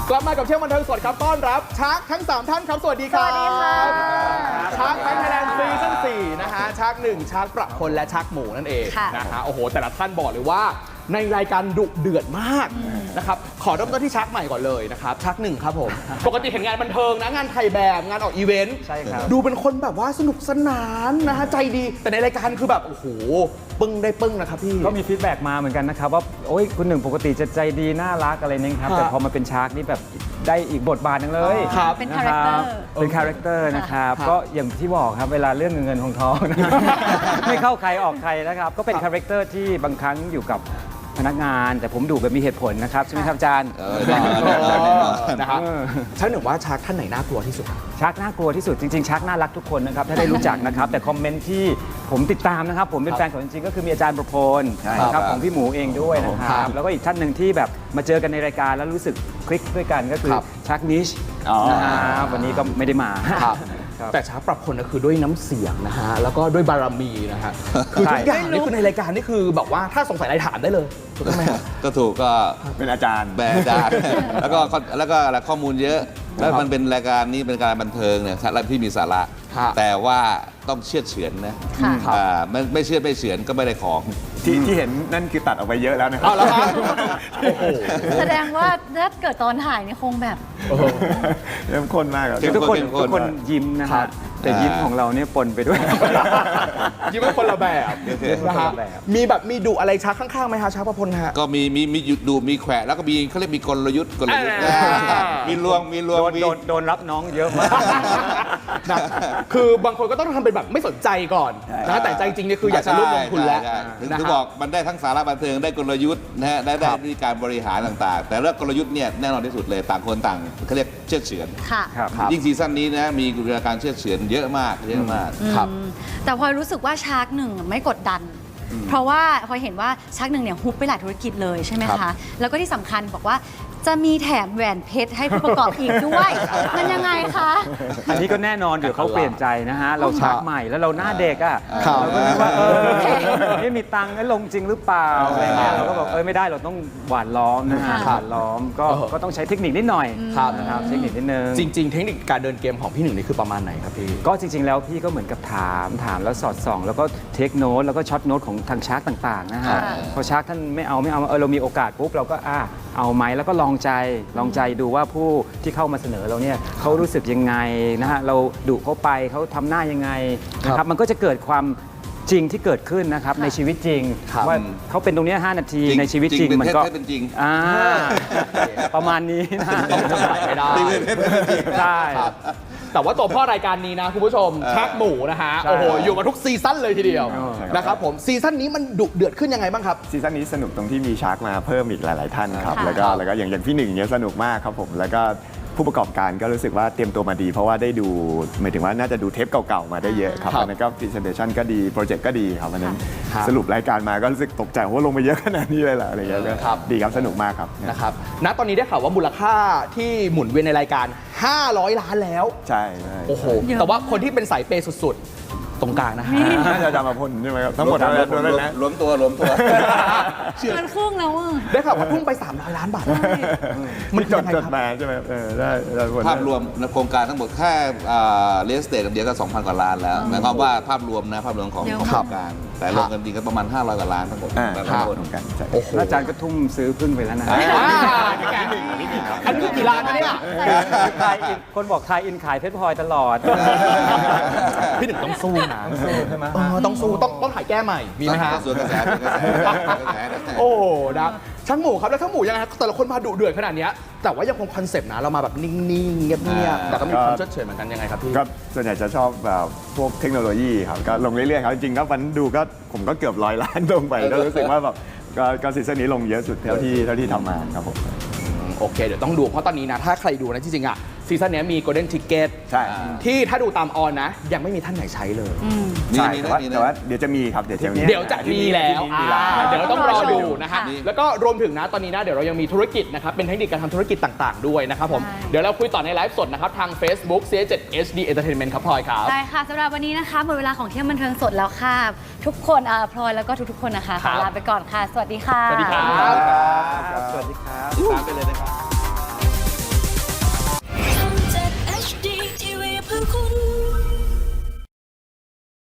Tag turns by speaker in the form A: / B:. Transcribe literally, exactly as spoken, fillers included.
A: กลับมากับเที่ยวบันเทิงสดครับต้อนรับชาร์กทั้งสามท่านครับสวัสดีครับ
B: สวัสดีค่ะ
A: ชาร์กไทยแลนด์ซีซั่นสี่นะฮะชาร์กหนึ่งชาร์กประพลและชาร์กหมูนั่นเองนะฮะโอ้โหแต่ละท่านบอกเลยว่าในรายการดุเดือดมากนะครับขอเริ่มต้นที่ชาร์กใหม่ก่อนเลยนะครับชาร์กหนึ่งครับผมปกติเห็นงานบันเทิงนะงานถ่ายแบบงานออกอีเวนต์
C: ใช่ครับ
A: ดูเป็นคนแบบว่าสนุกสนานนะฮะใจดีแต่ในรายการคือแบบโอ้โหปึ้งได้ปึ้งนะครับพี่
C: ก็มีฟีดแบ็กมาเหมือนกันนะครับว่าโอ้ยคุณหนึ่งปกติจะใจดีน่ารักอะไรนี่ครับ
A: ครับ
C: แต่พอมาเป็นชาร์กนี่แบบได้อีกบทบาทหนึงเลย
A: ครับ
B: เป็น
C: นะ
B: คาแรคเตอร์
C: เป็นคาแรคเตอร์นะครับ
A: ครับ
C: ก็อย่างที่บอกครับเวลาเรื่องเงินเงินทองทองนะไม่เข้าใครออกใครนะครับก็เป็นคาแรคเตอร์ที่บางครั้งอยู่กับพนักงาน แต่ผมดูแบบมีเหตุผลนะครับใช่ไหมครับอาจารย์
A: นะครับ
C: เออ
A: ชาร์กหนึ่งว่าชาร์กท่านไหนน่ากลัวที่สุดครับ
C: ชาร์กน่ากลัวที่สุดจริงๆชาร์กน่ารักทุกคนนะครับถ้าได้รู้จักนะครับแต่คอมเมนต์ที่ผมติดตามนะครับผมเป็นแฟนของจริงๆก็คือมีอาจารย์ประพล
D: ใช่
C: นะค
D: ครั
C: รับบ ของพี่หมูเองด้วยนะค
A: ครั
C: รับบ แล้วก็อีกท่านหนึ่งที่แบบมาเจอกันในรายการแล้วรู้สึกคลิกด้วยกันก็คือ
A: ครับ
C: ชาร์กนิช
D: อ๋อ
C: นะครับวันนี้ก็ไม่ได้มา
A: ครับ
C: ครับ
A: แต่ชาร์กปรับคนก็คือด้วยน้ำเสียงนะฮะแล้วก็ด้วยบารมีนะฮะคือทุกอย่างนี่คือในรายการนี่คือแบบว่าถ้าสงสัยอะไรถามได้เลยถูกต้องไหมฮะ
D: ก็ถูกก็
E: เป็นอาจารย์
D: แบรนด์อาจารย์ แล้วก็แล้วก็อะไรข้อมูลเยอะ แล้วมันเป็นรายการนี้เป็นการบันเทิงเนี่ยและที่มีสาระ
A: ครับ
D: แต่ว่าต้องเชื่อเฉือนนะ
B: ค่ะ
D: อ่าไม่ไม่เชื่อไม่เฉือนก็ไม่ได้ของ
E: ที่ที่เห็นนั่นคือตัดออกไปเยอะแล้วนะครั
A: เอาแล้วครับโอ้โห
B: แสดงว่าถ้าเกิดตอนถ่ายนี่คงแบบ
E: เริ่มข้นมากครับ
D: เข้ม
C: ทุกคน
D: เข้มข้น
C: ทุกคนยิ้มนะ
A: ครั
C: ฮะ
A: บ
C: แต่ยิ้มของเราเนี่ยปนไปด้วย
A: ยิ้มเป็นคนละแบบนะฮะ
C: คนละแบบ
A: มีแบบมีดุอะไรชาร์กข้างๆไหมฮะชาร์กประพลฮะ
D: ก็มีมีมีหยุดดูมีแขวะแล้วก็มีเขาเรียกมีกลยุทธ์กลยุทธ์
A: อ่า
D: อ่ามีลวงมีลวง
C: โดน
D: มี
C: โดนโดนรับน้องเยอะมาก
A: นะคือบางคนก็ต้องทำเป็นแบบไม่สนใจก่อนนะแต่ใจจริงเนี่ยคืออยากจะร่วมลงทุนแล้ว
D: ใช่ใช่ถึง
A: นะ
D: ถึง
A: ฮะ
D: บอกมันได้ทั้งสาระบันเทิงได้กลยุทธ์นะฮะได้ได้
A: ครับ
D: วิธีการบริหารต่างๆ แต่เรื่องกลยุทธ์เนี่ยแน่นอนที่สุดเลยต่างคนต่างเขาเรียกเชื่อเฉือน
B: ค่ะ
C: ครับ
D: ยิ่งซีซั่นนี้นะมีการเชื่อเฉือนเยอะมากเยอะมาก
A: ครับ
B: อืมแต่พลอยรู้สึกว่าชาร์กหนึ่งไม่กดดัน เพราะว่าพลอยเห็นว่าชาร์กหนึ่งเนี่ยฮุบไปหลายธุรกิจเลยใช่ไหม
A: ครั
B: คะ
A: บ
B: แล้วก็ที่สำคัญบอกว่าจะมีแถมแหวนเพชรให้ผู้ประกอบอีกด้วย มันยังไงคะ
C: อันนี้ก็แน่นอนเดี๋ยวเขาเปลี่ยนใจนะฮะ เราชักใหม่แล้วเราหน้าเด็กอ่ะ
A: ครับ
C: เราก็นึกว่าเออไม่มีตังค์แล้วลงจริงหรือเปล่าอะไรเงี้ยเราก็บอกเออไม่ได้เราต้องหวานล้อมนะฮะ
B: ครับ
C: หวานล้อมก็ก็ต้องใช้เทคนิคนิดหน่อย
A: ครับ
C: นะครับเทคนิคนิดนึง
A: จริง ๆ เทคนิคการเดินเกมของพี่หนึ่งนี่คือประมาณไหนครับพี่
C: ก็จริง ๆ แล้วพี่ก็เหมือนกับถามถามแล้วสอดส่อง แล้วก็เทคโน้ตแล้วก็ช็อตโน้ตของทางชาร์กต่างๆนะ
B: ค่ะ
C: ฮะพอชาร์กท่านไม่เอาไม่เอาเออเรามีโอกาสปุ๊บเราก็อ่ะเอาไหมแล้วก็ลองใจลองใจดูว่าผู้ที่เข้ามาเสนอเราเนี่ยเขารู้สึกยังไงนะฮะเราดุเขาไปเขาทำหน้ายังไงนะครับมันก็จะเกิดความจริงที่เกิดขึ้นนะครับในชีวิตจริง
A: ครับ
C: ว่าเขาเป็นตรงเนี้ยห้านาที
D: จริง
C: ในชีวิตจริง
D: จริงเป็น
C: มันก็
D: เท็จเป็นจริง
C: อ่าประมาณนี้นะ
A: ต้องจำหน่ายไม่ได้
D: จริงเป็นเท็จเป็นจริง
C: ใช่
A: ครับแต่ว่าตัวพ่อรายการนี้นะคุณผู้ชม
D: เออ
A: ชักหมูนะฮะ
C: ใช่
A: โอ้โหอยู่มาทุกซีซั่นเลยทีเดียว
C: เออ
A: นะครับผมซีซั่นนี้มันดุเดือดขึ้นยังไงบ้างครับ
E: ซีซั่นนี้สนุกตรงที่มีชาร์กมาเพิ่มอีกหลาย ๆ ท่านครับ
B: ค่ะ
E: แล้วก็แล้วก็อย่างอย่างพี่หนึ่งเนี่ยสนุกมากครับผม แล้วก็ผู้ประกอบการก็รู้สึกว่าเตรียมตัวมาดี เพราะว่าได้ดูหมายถึงว่าน่าจะดูเทปเก่า ๆ มาได้เยอะครับ
A: ครับ
E: อันนั้นก็พรีเซนเทชันก็ดี โปรเจกต์ก็ดีครับอันนั้น
A: ครับ
E: สรุปรายการมาก็รู้สึกตกใจว่าลงไปเยอะขนาดนี้เลยเหรออะไรอย่างเงี้ยก็
A: ครับ
E: ดีครับสนุกมากครับ
A: นะครับณตอนนี้ได้ข่าวว่ามูลค่าที่หมุนเวียนในรายการ ห้าร้อย ล้านแล้ว
E: ใช่ใช่
A: โอ้โห
B: เยอะ
A: แต่ว่าคนที่เป็นสายเปย์สุดๆ ตรงกลางนะฮะ
E: น่าจะจำมาพ่นใช่ไหมครับทั้งหมดทั้งหมดเลยนะ
D: รวมตัวรวมตัว
B: มันครึ่งแล้วอ่ะ
A: ได้ข่าวว่าพุ่งไป สามร้อย ล้านบาท
E: มันจด
A: ยังไง
E: จ
A: ค
E: ด
A: รับ
E: มาใช่ไหมเออได้ได้ผล
D: ภาพรวมในโครงการทั้งหมดแค่เรียลสเตทเดียวก็ สองพัน กว่าล้านแล้วหมายความว่าภาพรวมนะภาพรวมของ
B: เยอะ
D: ของ
B: มาก
D: โครงการ แต่รวมกันจริงก็ประมาณ ห้าร้อย กว่าล้านทั้งหมด
E: อ่า
D: แต่
E: ค
D: ละ
E: รับ
D: คน
E: เหมือนกันใช่
A: โอ้โห
C: แล้วอาจารย์ก็ทุ่มซื้อพึ่งไปแล้วนะ
A: อ่าอันนี้กี่ล้านนะเนี่ย
C: ทายอินคนบอกทายอินขายเพชรพลอยตลอด
A: พี่หนึ่งต้องสู้นะใช่ไหมต้องสู้ต้องต้องถ่ายแก้ใหม่ มีไหมฮะ
D: ส่วนกระแสส่วนกระแสส่วนกระแส
A: โอ้โหนะช่างหมูครับแล้วช่างหมูยังไงครับแต่ละคนมาดุเดือดขนาดเนี้ยแต่ว่ายังคงคอนเซปต์นะเรามาแบบนิ่งๆเงียบๆแต่ก็มีความเฉยเฉยเหมือนกันยังไงครับพี่
E: ก็ส่วนใหญ่จะชอบแบบพวกเทคโนโลยีครับก็ลงเรื่อยๆครับจริงๆก็วันดูก็ผมก็เกือบร้อยล้านลงไปก็รู้สึกว่าแบบก็ก็ซีซั่นนี้ลงเยอะสุดเท่าที่เท่าที่ทำมาครับผม
A: โอเคเดี๋ยวต้องดูเพราะตอนนี้นะถ้าใครดูนะจริงๆอ่ะซีซั่นนี้มี Golden Ticket
E: ใช่
A: ที่ถ้าดูตามออนนะ ยังไม่มีท่านไหนใช้เลย
D: มี
E: ใช่
D: มี
E: แต่
D: นะ
E: ว่า
D: มี
E: แต่
D: นะ
E: ว่าเดี๋ยวจะมีครับเดี๋ยวจะมี
A: เดี๋ยวจะมีแล้วอ่าเดี๋ยวเราต้องรอดูนะฮะ
B: ค่ะ
A: แล้วก็รวมถึงนะตอนนี้นะเดี๋ยวเรายังมีธุรกิจนะครับเป็นเทคนิคการทำธุรกิจต่างๆด้วยนะครับผม
B: ใช่
A: เดี๋ยวเราคุยต่อในไลฟ์สดนะครับทาง Facebook ซี เอช เซเว่น เอช ดี Entertainment ครับพลอยครับ
B: ได้ค่ะสำหรับวันนี้นะคะหมดเวลาของเที่ยวบันเทิงสดแล้วค่ะ ทุกคนอ่าพลอยแล้วก็ทุกๆคนนะคะข
A: ครั
B: อบ ลาไปก่อนค่ะ สวัสดีค่ะ
A: สวัสดีครับ
C: สวัสดีครับ
D: ตามไปเลยนะครับ